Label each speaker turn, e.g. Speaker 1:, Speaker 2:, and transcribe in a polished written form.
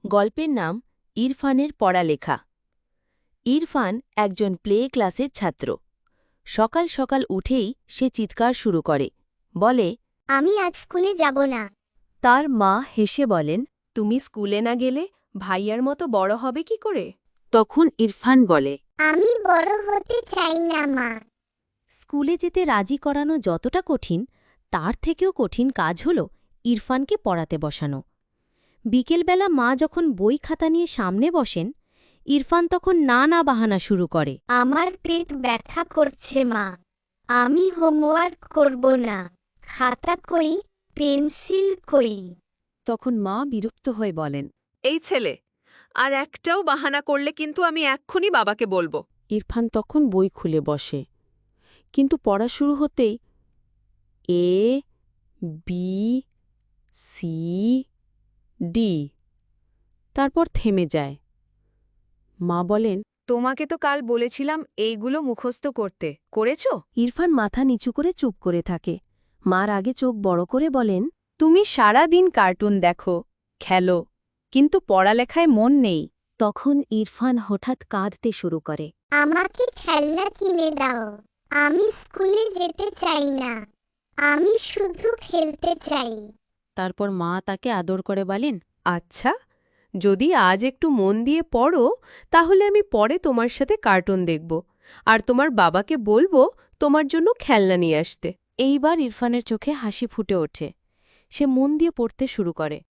Speaker 1: গল্পের নাম ইরফানের পড়ালেখা। ইরফান একজন প্লে ক্লাসের ছাত্র। সকাল সকাল উঠেই সে চিৎকার শুরু করে, বলে,
Speaker 2: আমি আজ স্কুলে যাব না।
Speaker 1: তার মা হেসে বলেন, তুমি স্কুলে না গেলে ভাইয়ার মতো বড় হবে কি করে? তখন ইরফান বলে,
Speaker 2: আমি বড় হতে চাই না মা।
Speaker 1: স্কুলে যেতে রাজি করানো যতটা কঠিন, তার থেকেও কঠিন কাজ হল ইরফানকে পড়াতে বসানো। বিকেলবেলা মা যখন বই খাতা নিয়ে সামনে বসেন, ইরফান তখন নানা বাহানা শুরু করে।
Speaker 2: আমার পেট ব্যথা করছে মা। আমি হোমওয়ার্ক করব না। খাতা কই, পেন্সিল কই?
Speaker 1: তখন মা বিরক্ত হয়ে বলেন,
Speaker 3: এই ছেলে, আর একটাও বাহানা করলে কিন্তু আমি এক্ষুনি বাবাকে বলবো।
Speaker 1: ইরফান তখন বই খুলে বসে, কিন্তু পড়া শুরু হতেই এ বি সি ডি, তারপর থেমে যায়। মা বলেন,
Speaker 3: তোমাকে তো কাল বলেছিলাম এইগুলো মুখস্থ করতে, করেছো?
Speaker 1: ইরফান মাথা নিচু করে চুপ করে থাকে। মার আগে চোখ বড় করে বলেন, তুমি সারা দিন কার্টুন দেখো, খেলো, কিন্তু পড়ালেখায় মন নেই। তখন ইরফান হঠাৎ কাঁদতে শুরু করে।
Speaker 2: আমাকে খেলনা কিনে দাও। আমি স্কুলে যেতে চাই না। আমি শুধু খেলতে চাই।
Speaker 1: তারপর মা তাকে আদর করে বলেন,
Speaker 3: আচ্ছা, যদি আজ একটু মন দিয়ে পড়ো, তাহলে আমি পরে তোমার সাথে কার্টুন দেখব, আর তোমার বাবাকে বলবো তোমার জন্য খেলনা নিয়ে আসতে।
Speaker 1: এইবার ইরফানের চোখে হাসি ফুটে ওঠে। সে মন দিয়ে পড়তে শুরু করে।